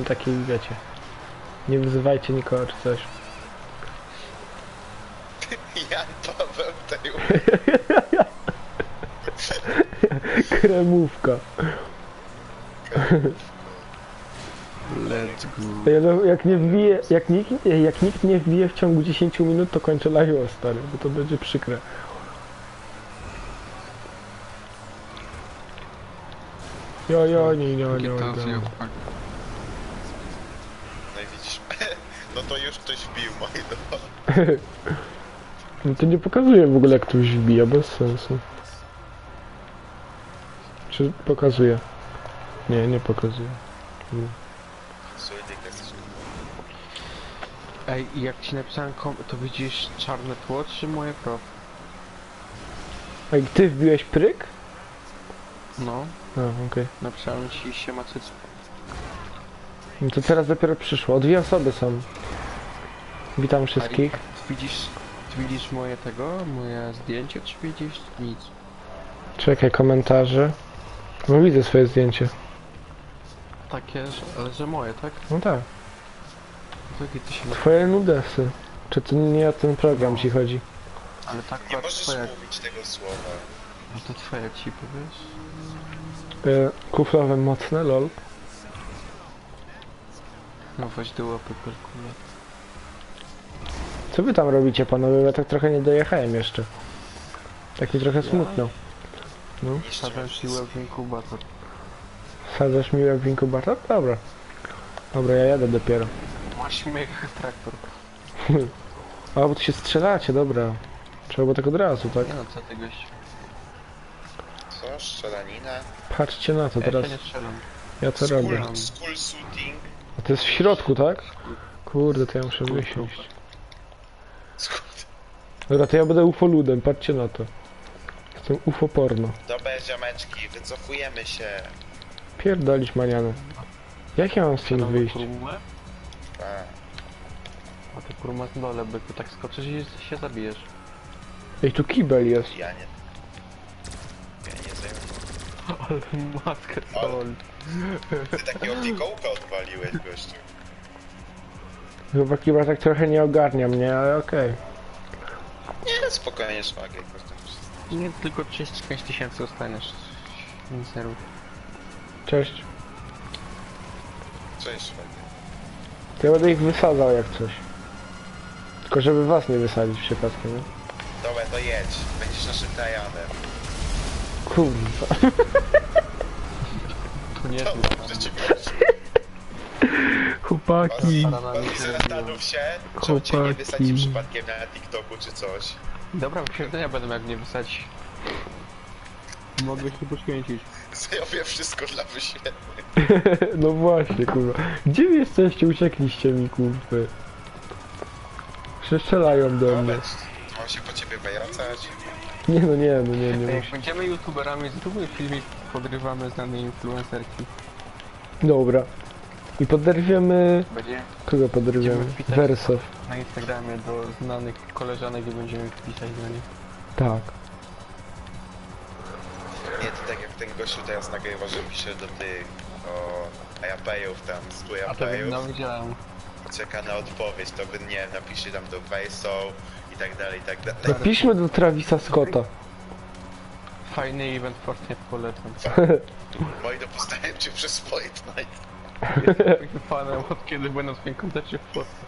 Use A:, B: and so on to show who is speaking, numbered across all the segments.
A: taki, wiecie. Nie wyzywajcie nikogo czy coś.
B: Jan Paweł tej
A: Kremówka.
C: Let's go.
A: No, jak nie wbije, jak nikt nie wbije w ciągu 10 minut, to kończę live'a, stary, bo to będzie przykre. Jo, nie.
B: No i widzisz, no to już ktoś wbił, moi drodzy.
A: No to nie pokazuje w ogóle jak ktoś wbija, bez sensu. Czy pokazuje? Nie pokazuje.
C: Ej, jak ci napisałem to widzisz czarne tło, czy moje prof?
A: A ty wbiłeś pryk?
C: No,
A: Okej.
C: napisałem ci siema cyc.
A: No to teraz dopiero przyszło. O, 2 osoby są. Witam wszystkich.
C: Widzisz moje moje zdjęcie, czy widzisz nic?
A: Czekaj, komentarze. No widzę swoje zdjęcie.
C: Takie, że moje, tak?
A: No tak.
C: Jakie ty się
A: Twoje nudesy. Czy to nie o ten program ci chodzi?
C: Ale tak
B: Nie
C: patrz,
B: możesz
C: twoja,
B: mówić tego słowa.
C: no to twoja ci powiesz?
A: Kuflowe mocne, lol.
C: No weź do łapy kalkula.
A: Co wy tam robicie, panowie? Ja tak trochę nie dojechałem jeszcze. Tak mi trochę smutno. No.
C: Wsadzam siłę w inkubator.
A: Sadzasz mi jak w inkubator? Dobra. Dobra, ja jadę dopiero.
C: Masz śmiech traktor.
A: A, bo tu się strzelacie, dobra. Trzeba było tak od razu, tak?
C: Nie no, co ty gość?
B: Co? Strzelanina?
A: Patrzcie na to
C: Ja
A: teraz.
C: się nie strzelam.
A: Ja to robię.
B: School shooting.
A: A to jest w środku, tak? Kurde, to ja muszę wysiąść. Dobra, to ja będę ufoludem, patrzcie na to. Jestem ufoporno.
B: Dobra, ziomeczki, wycofujemy się.
A: Pierdolić maniany. Jak ja mam stąd wyjść?
B: A,
C: A ty kurwa na dole, by tu tak skoczysz i się zabijesz.
A: Ej, tu kibel jest.
B: ja nie zajmuję.
C: Ale matkę sol.
B: Ty takiego fikołka odwaliłeś, gościu.
A: Chyba kibel tak trochę nie ogarnia mnie, ale okej.
B: Nie, spokojnie, szwagier.
C: Nie, tylko 35 tysięcy dostaniesz. Nic nie rób.
A: Cześć.
B: Cześć, szwagier.
A: To ja będę ich wysadzał jak coś. Tylko żeby was nie wysadzić przypadkiem, nie?
B: Dobra, to jedź. Będziesz naszym Tajanem.
A: Kurwa.
C: To nie
B: To
C: jest
B: dobrze ci poszło.
A: Chłopaki.
B: Zastanów się, czy cię nie wysadzi przypadkiem na TikToku czy coś.
C: Dobra, wyświetlenia będą jak mnie wysadzić. Mogę się poświęcić.
B: Zrobię wszystko dla wyświetleń.
A: No właśnie, kurwa. Gdzie wy jesteście? Uciekliście mi, kurwa. Przestrzelają do mnie.
B: Mam się po ciebie wracać.
A: Nie
C: Jak
A: muszę.
C: będziemy youtuberami, zróbmy filmik, podrywamy znane influencerki.
A: Dobra. I poderwiemy...
C: Będzie
A: Kogo poderwiemy?
C: Będziemy wpisać.
A: Wersow.
C: na Instagramie do znanych koleżanek i będziemy pisać do nich.
A: Tak.
B: Nie, to tak jak ten gościu teraz nagrywa, że pisze do tych Japejów tam, 100
C: A to
B: Japejów.
C: no widziałem.
B: Czeka na odpowiedź, to by nie napisze tam do Verso i tak dalej, i tak dalej.
A: Napiszmy do Travisa Scotta.
C: Fajny event Fortnite polecam.
B: Moi dostałem cię przez Fortnite.
C: Jestem fanem od kiedy byłem na swoim koncercie w Polsce.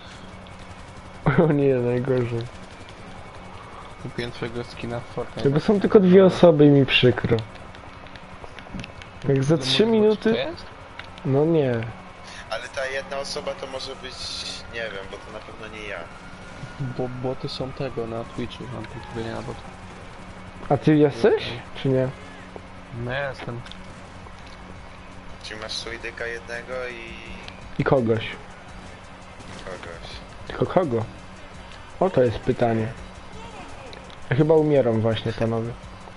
A: O nie, najgorzej.
C: Kupiłem twojego skina w Fortnite.
A: Tylko są tylko 2 osoby i mi przykro. Jak za 3 minuty...
C: To jest?
A: No nie.
B: Ale ta jedna osoba to może być, nie wiem, bo to na pewno nie ja.
C: Bo boty są tego na Twitchu, mam tu nie na bot.
A: A ty jesteś? Czy nie?
C: No ja jestem.
B: Czyli masz Suidyka jednego
A: I kogoś.
B: kogoś.
A: Tylko kogo? O, to jest pytanie. Ja chyba umieram właśnie, panowie.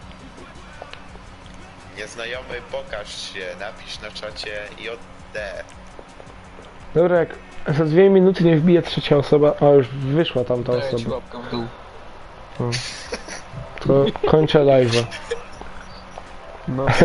B: Nieznajomy, pokaż się, napisz na czacie JD.
A: Dobra, jak za 2 minuty nie wbije 3 osoba... O, już wyszła tam ta
C: Daję ci
A: osoba.
C: łapkę w dół.
A: O. To kończę live'a.
C: No.